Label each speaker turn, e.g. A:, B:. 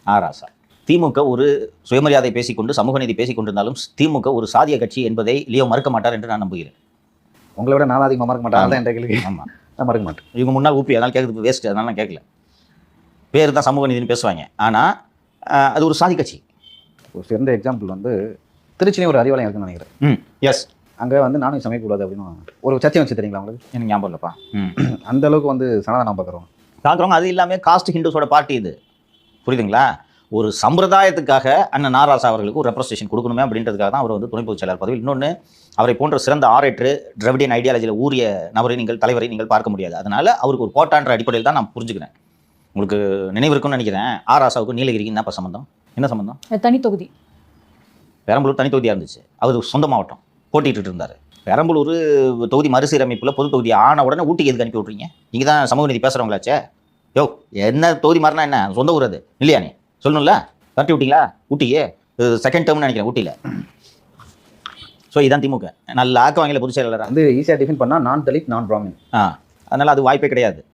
A: ராசா. திமுக ஒரு சுயமரியாதை பேசிக்கொண்டு சமூக நீதி பேசிக் கொண்டிருந்தாலும் திமுக ஒரு சாதிய கட்சி என்பதை லியோ மறுக்க மாட்டார் என்று நான் நம்புகிறேன்.
B: உங்களை விட நான் அதிகமாக மறக்க மாட்டேன். என்ற கேள்வி
A: ஆமாம்,
B: நான் மறக்க மாட்டேன்.
A: இவங்க முன்னால் ஊப்பி அதனால் கேட்குறது வேஸ்ட், அதனால நான் கேட்கல. பேர் தான் சமூக நீதினு பேசுவாங்க, ஆனால் அது ஒரு சாதி கட்சி.
B: ஒரு சிறந்த எக்ஸாம்பிள் வந்து திருச்சிலையும் ஒரு அறிவாலயம் இருக்குன்னு நினைக்கிறேன்.
A: எஸ்,
B: அங்கே வந்து நானும் சமைக்கக்கூடாது அப்படின்னு ஒரு சர்ச்சை வச்சு தெரியுங்களா உங்களுக்கு?
A: எனக்கு ஞாபகம் இல்லைப்பா.
B: அந்த அளவுக்கு வந்து சனாதனம் பார்க்குறோம்.
A: அது இல்லாமல் காஸ்ட் ஹிந்துஸோட பார்ட்டி இது, புரியுதுங்களா? ஒரு சம்பிரதாயத்துக்காக அண்ணன் ராசா அவர்களுக்கு ஒரு ரெப்ரஸன்டேஷன் கொடுக்கணுமே அப்படின்றதுக்காக தான் அவர் வந்து துணை பொதுச் செயலாளர் பதவியில். இன்னொன்று, அவரை போன்ற சிறந்த ஆரேட்டர் திராவிடியன் ஐடியாலஜியில் ஊறிய நபரை தலைவரை நீங்கள் பார்க்க முடியாது. அதனால் அவருக்கு ஒரு கோட்டான்ற அடிப்படையில் தான் நான் புரிஞ்சுக்கிறேன். உங்களுக்கு நினைவு இருக்குன்னு நினைக்கிறேன், ராசாவுக்கு நீலகிரிக்கு என்னப்பா சம்மந்தம்? என்ன சம்மந்தம்?
C: தனி தொகுதி.
A: பெரம்பலூர் தனி தொகுதியாக இருந்துச்சு, அவர் சொந்த மாவட்டம் போட்டிட்டு இருந்தார். பெரம்பலூர் தொகுதி மறுசீரமைப்பில் பொது தொகுதி ஆன உடனே ஊட்டிக்கு எதுக்கு அனுப்பி விட்றீங்க? நீங்கள் தான் சமூக நீதி பேசுகிறவங்களாச்சே. யோ, என்ன தொகுதி மாறினா என்ன, சொந்த ஊர் அது இல்லையா? நீ சொல்லணும்ல, தட்டி விட்டீங்களா ஊட்டியே? செகண்ட் டேர்ம்னு நினைக்கிறேன் ஊட்டியில். ஸோ இதான் திமுக நல்ல ஆக்க வாங்கல பொதுச் செயலாளர்
B: வந்து ஈஸியாக டிஃபைன் பண்ணால் நான் தலித் நான் பிராமின்.
A: அதனால் அது வாய்ப்பே கிடையாது.